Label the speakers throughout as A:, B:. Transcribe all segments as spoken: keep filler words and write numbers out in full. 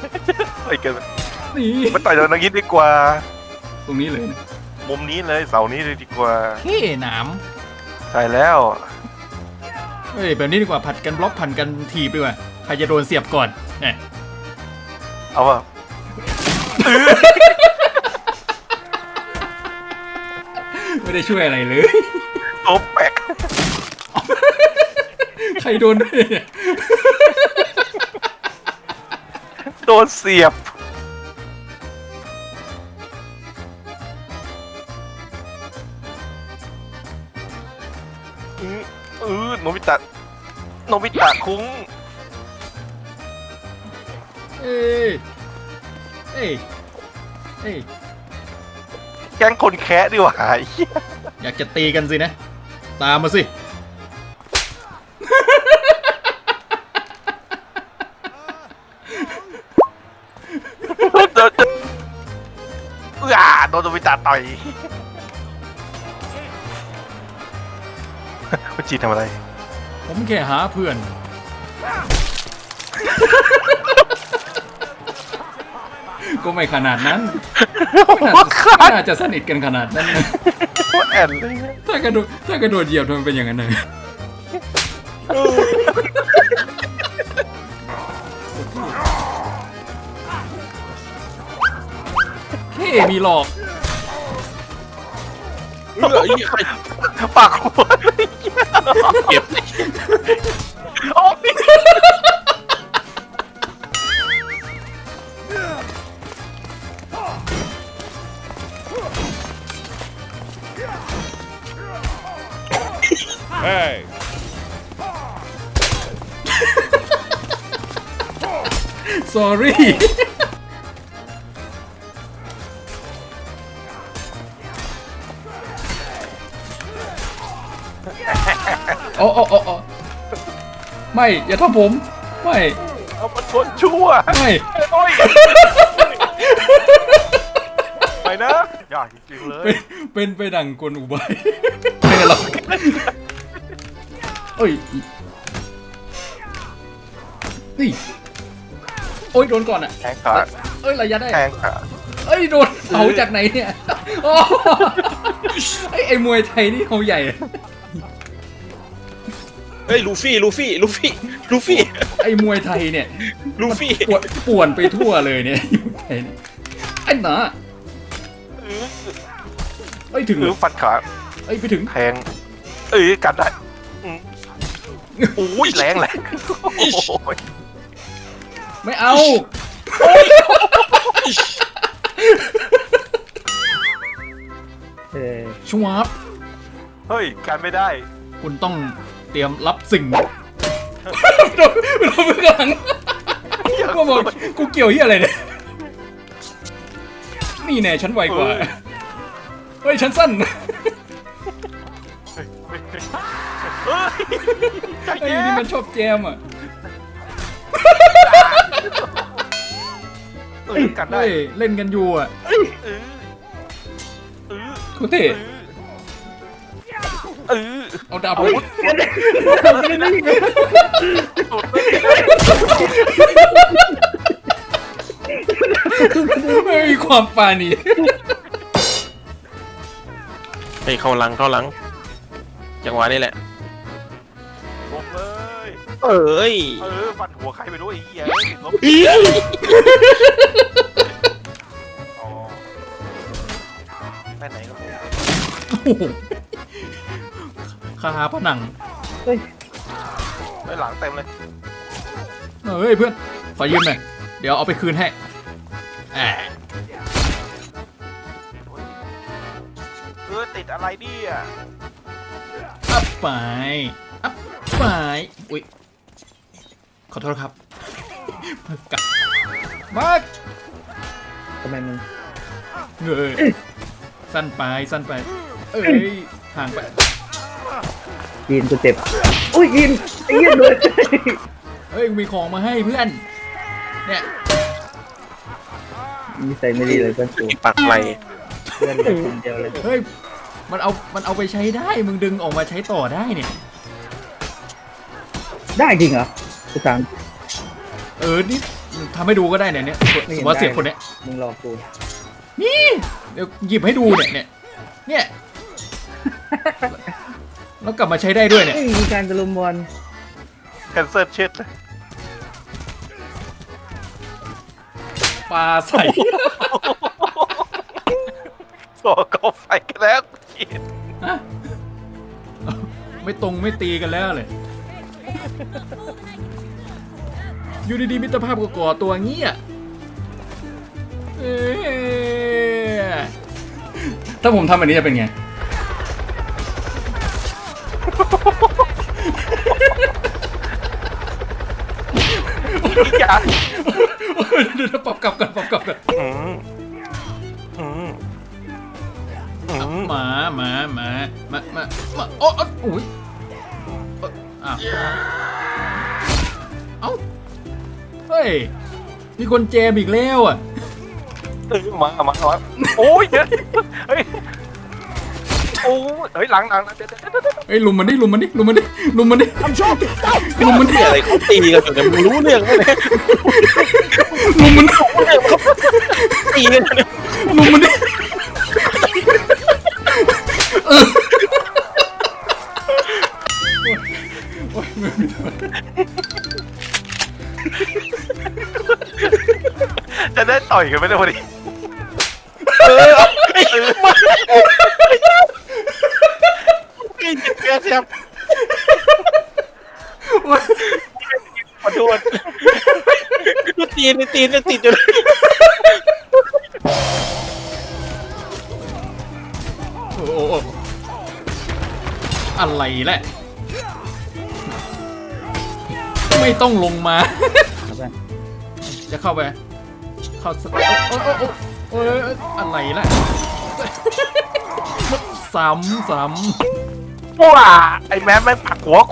A: ไอ้เกิน
B: นี่
A: มันต่อยตรงนี้ดีกว่า
B: ตรงนี้เลยนะ
A: มุมนี้เลยเสานี้เลยดีกว่า
B: เฮ้หนาม
A: ใช่แล้ว
B: เฮ้ยแบบนี้ดีกว่าผัดกันบล็อกผัดกันถีบดีกว่าใครจะโดนเสียบก่อนเนี่ย
A: เอาว่ะ
B: ไม่ได้ช่วยอะไรเลย
A: โต๊ะแปก
B: ใครโดนด้วยเนี่ย
A: โดนเสียบอือเออโนบิตะโนบิตะคุ้ง
B: เอ้ยเอ้ยเอ้ย
A: แก๊งคนแคะดีกว่าไอ้เหี้ย
B: อยากจะตีกันสินะ ตามมาสิ
A: โดนโดนเอื้อโดนโนบิตะต่อยคุณจีทำอะไร
B: ผมแค่หาเพื่อน ก็ไม่ขนาดนั้นไม่น่าจะไม่น่าจะสนิทกันขนาดนั้นนะ
A: แอนเลย
B: ถ้ากระโดดถ้ากระโดดเหยียบทำไมเป็นอย่างนั้นเลยเฮ้มีหลอก
C: เฮ้ยใคร
A: ปากหัวเก็บโอ้ย
B: sorry โอ้โอ้โอ้โอ้ไม่อย่าทำผมไม่
A: เอามาชนชั่ว
B: ไม่
A: โอ้ยไปนะยากจริงๆเลย
B: เป็นเป็นไปดังกลอุบายไม่หรอกเอ้ยนี่โอ้ยโดนก่อนอ่ะ
A: แทงขา
B: เอ้ยระยะได้
A: แทงขา
B: เอ้ยโดนเผาจากไหนเนี่ยโอ้ไอ้ไอ้มวยไทยนี่เขาใหญ่
C: เฮ้ยลูฟี่ลูฟี่ลูฟี่ลูฟี่
B: ไอ้มวยไทยเนี่ย
C: ลูฟี่
B: ปวดป่วนไปทั่วเลยเนี่ยมวยไทยนี่ไอ้หนาเอ้ยถึง
A: หรือฟันขา
B: เอ้ยไปถึง
A: แทงเอ้ยกัดได้อืมโอ้ยแรงแรงโอ้ย
B: ไม่เอา
D: เออ
B: ชวาบ
A: เฮ้ยกันไม่ได้
B: คุณต้องเตรียมรับสิ่งโดนโดนมือหลังก็บอกกูเกี่ยวเฮียอะไรเนี่ยนี่แน่ฉันไวกว่าเฮ้ยฉันสั้น
A: เฮ้ยใจ
B: ไอ้
A: เย็
B: นี่
A: น
B: มันชอบแจมอ่ะ
A: เอ้ยกันได้
B: เฮ้ยเล่นกันอยู่อ่ะ
A: เออเออ
B: โคตรเท่
A: เออ
B: เอาดาบ
A: เอา
B: ไป
A: วุธสุดเลย
B: ไม่มีความปานี
C: เฮ้ยเข้าหลังเข้าหลังจังหวะนี้แหละ
A: ลงเลย
C: เอ้ย
A: เออฟันหัวใครไปรู้ไอ้เหี้ยติดลบอ๋อไปไหนก็ไม่ได้
B: โอ้โหคาผนัง
A: ไปหลังเต็มเลย
B: เฮ้ยเพื่อนขอยืมหน่อยเดี๋ยวเอาไปคืนให้แอะ
A: เออติดอะไรเนี่ย
B: อัพไปอัพไปอุ้ยขอโทษครับกลับมา
D: ทำไมมัน
B: เงยสั้นไปสั้นไปเอ้ยห่างไป
D: ยีนกูเจ็บอุ้ยยีนไอ้เหี้ยเลย
B: เฮ้ยมีของมาให้เพื่อนเนี่ย
D: มีใส่ไม่ดีเลยเพื่อนกู
C: ปักไหล
D: เพื่อนเลยคนเดียวเลย
B: เฮ้ยมันเอามันเอาไปใช้ได้มึงดึงออกมาใช้ต่อได้เนี่ย
D: ได้จริงเหรอกูถาม
B: เออนี่ทำให้ดูก็ได้เนี่ยเนี่ยสมมติว่าเสียบคนเนี้ย
D: มึงรอกู
B: นี่เดี๋ยวหยิบให้ดูเนี่ยเนี่ยเนี่ยแล้วกลับมาใช้ได้ด้วยเนี่ย
D: เอ้ยมีการตะลุมบอล
A: แคนเซิลเช็ดเลย
B: ปลาใส่
A: สอกกอไฟกันแล้ว
B: ฮะไม่ตรงไม่ตีกันแล้วเลยอยู่ดีๆมิตรภาพก็ก่อตัวเงี้ยเอ๊ะถ้าผมทำแบบนี้จะเป็นไง
A: อีกอย่าง
B: เดี๋ยวๆปรับกลับกันปรับกลับกัน
A: อืมอืมอืม
B: หมาหมาหมาหมาหมาหมาโอ้โอ้อุ้ยเอ้ยอ้าวเอ้าเฮ้ยมีคนเจมอีกแล้วอ่ะ
A: เออมามามาโอ้ยเดี๋ยวเฮ้ยโอ้ยเฮ้ยหลังหลังเดี๋ยวเดี๋ยวเดี๋ยว
B: เฮ้ยลุมมันดิลุมมันดิลุมมันดิลุมมันดิลุมมันดิ
C: ที่อะไรเขาตีกันอยู่เนี่ยมึงรู้เรื่องไหมเนี่ย
B: ลุมมันดิ
C: ตีกันอยู่เนี่ย
B: ลุมมันดิเออโอ้ยไม่มีตัว
A: จะได้ต่อยกันไหมเนี่ยพอดี
C: เออ
A: เออ
C: ไอ้เจ็บแค่เจ็บ
B: โอ้ย
C: ขอโทษดูตีนตีนจะติดอยู่เลย
B: โอ้โหอะไรแหละไม่ต้องลงมา
D: เอาไป
B: จะเข้าไป เข้าสโอ้โอ้โอ้โอ้โอ้ยอะไรล่ะซ้ำซ้
A: ว้าไอ้แม่แม่งปักหัวกู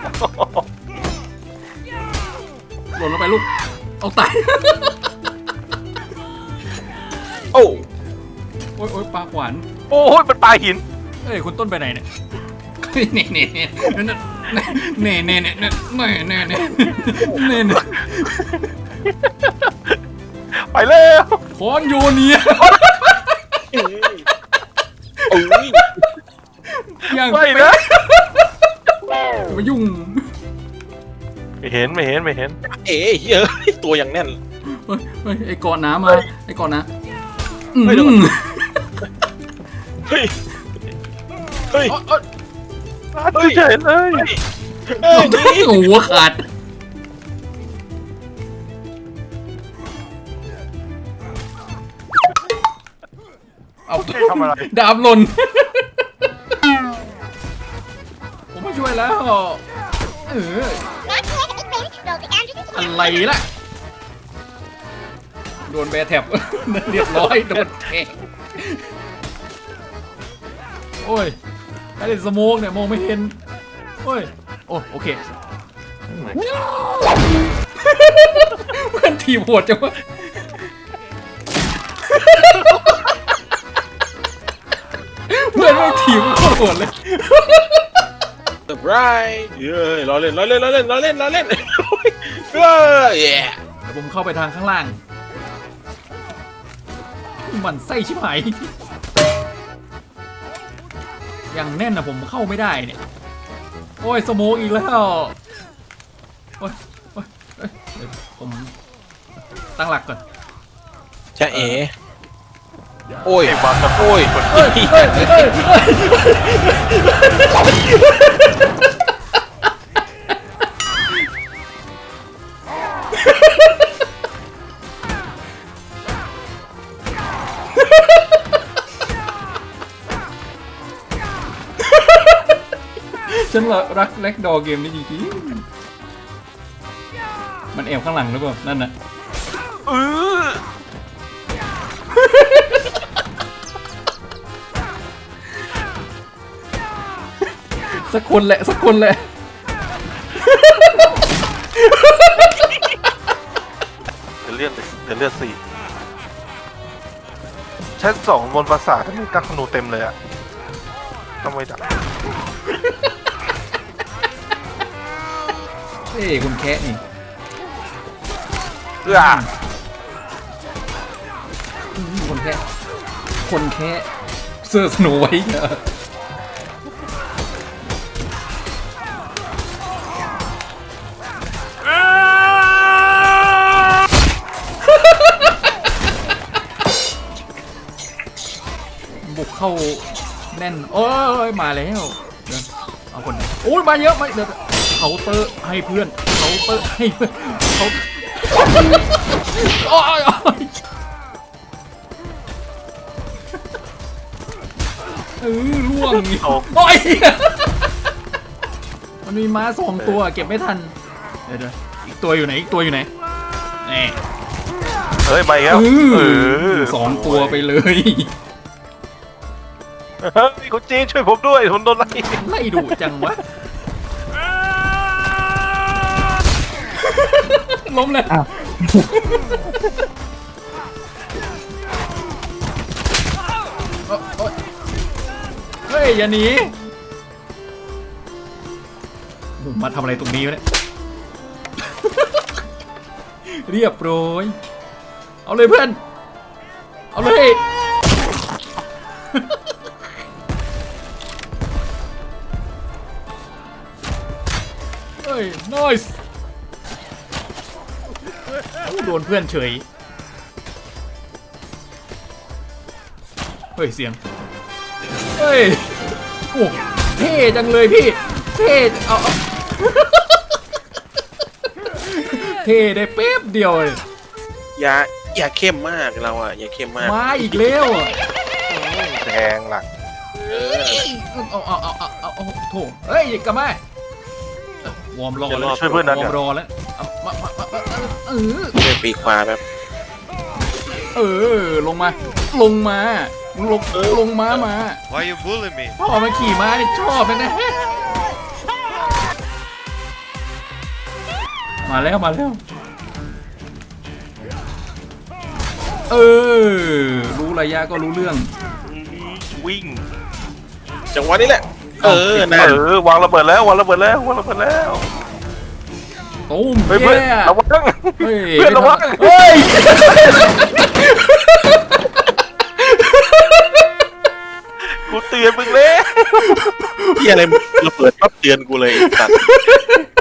B: ำหล่นลงไปลูก เอาตาย
C: โอ้
B: โอ้ยโอ้ยปลาขวาน
A: โอ้ยมันปลาหิน
B: เอ้ยคุณต้นไปไหนเนี่ยเน่เน่เน่เน่เน่เน่เน่เน่เน่เน่เน่เน่เน่
A: ไปแล้ว
B: คอนโยเนีย
C: โอ้ย
B: ยัง
A: ไปนะ
B: มายุ่ง
A: ไม่เห็นไม่เห็นไม่เห็น
C: เอ๋เฮ้ยตัวอย่างแน่น
B: เฮ้ยเฮ้ยไอ้กอดน้ำมาไอ้กอดน้ำ
C: เฮ้ยเดี๋ยวก่อน เฮ้ยเฮ้ย
B: เอ้ยเอ้ย
A: เฮ้ยเห็นเลย
C: เฮ้ยนี่
B: โอ้โหขาดเอา
A: ทำอะไร
B: ดาบหล่น ผมมาช่วยแล้ว เออ อะไรล่ะ โดนแบร์แท็บ เรียบร้อย โดนแทงโอ้ยไอ้เด็กสโมกเนี่ยมองไม่เห็น โอ้ย โอ้โอเค เพื่อนทีมโหดจังวะ เพื่อนไม่ทีมโคตรโหดเลย
C: เซอร์ไพรส์เย้ยล้อเล่นล้อเล่นล้อเล่นล้อเล่นล้อเล่นเฮ้ยเย้
B: เดี๋ยวผมเข้าไปทางข้างล่าง มันไส้ชิบหาย อย่างแน่นนะผมเข้าไม่ได้เนี่ย โอ้ยสโมกอีกแล้ว โอ้ยโอ้ยเอ้ยเดี๋ยวผมตั้งหลักก่อน
C: จะเอ๋โอ้ย
A: ไอ้บอลตะโก
C: โอ้ย
B: เอ้ยเอ้ยเอ้ยเอ้ยฉันรักแล็กดอเกมนี้จริงๆมันแอบข้างหลังหรือเปล่า นั่นน่ะ
A: เออ
B: สักคนแหละ สักคนแหละ
A: เดี๋ยวเลือดเดี๋ยวเลือดสี่ชั้นสองบนปราสาทมีกักขนูเต็มเลยอะต้องไปดัก
B: เอ้ยคุณแคะนี่
A: เอื้อ
B: อืมคนแค่คนแค่เสื้อสโนไว้เหรอบุกเข้าแน่นโอ้ยมาแล้วเดี๋ยวเอาคนโอ้ยมาเยอะมาเดี๋ยวเคาน์เตอร์ให้เพื่อนเคาน์เตอร์ให้เพื่อนเขาโอ้ยโอ้ยเออล่วง
A: โอ้
B: โอ้ยมันมีม้าสองตัวเก็บไม่ทันเดี๋ยวเดี๋ยวอีกตัวอยู่ไหนอีกตัวอยู่ไหนนี่
A: เฮ้ยไปแล้ว
B: เอ
A: เอ
B: อ
A: อ
B: สองตัวไปเลย
A: เฮ้ยคุณจีนช่วยผมด้วยผมโดนไล่
B: ไล่ดุจังวะล้มเลย
D: อ้าว
B: โอ๊ยเฮ้ยอย่าหนีมาทำอะไรตรงนี้วะเนี่ย เรียบร้อยเอาเลยเพื่อนเอาเลย เฮ้ย nice โดนเพื่อนเฉย เฮ้ย เสียง เฮ้ย โอ้เท่จังเลยพี่ เท่เอาเอา เท่ได้เป๊บเดียวเลย
C: อย่าอย่าเข้มมากเราอ่ะอย่าเข้มมาก
B: มาอีกแล้วอะ
A: แทงหลัง
B: เอาเอาเอาเอาเอาเอาโถเฮ้ยกลับมาวอร์มรอแล้ว
A: ช่วยเพื่อนนั้น
B: วอ
A: เดี๋
B: ร์
A: ย
B: ม
A: ว
B: รอแล้วเอามามามามาเออ
C: เล่นปีกขวาแบบ
B: เออ ลงมา ลงมาลงลงมามา
E: Why you bullying me?
B: พ่อมาขี่ม้านี่ชอบเลยนะ มาแล้วมาแล้ว เออ รู้ระยะก็รู้เรื่อง
A: วิ่ง
C: จังหวะนี้แหละ เออนั่น
A: เออวางระเบิดแล้ววางระเบิดแล้ววางระเบิดแล้ว
B: ตุ้ม
A: เฮ้ยเพื่อน
B: แย่
A: ระวัง
B: เฮ้ย
A: เพื่อนระวัง
B: เฮ้ย
A: กูเตือนมึงเลย
C: ที่อะไรระเบิดปั๊บเตือนกูเลยไอ้สัตว์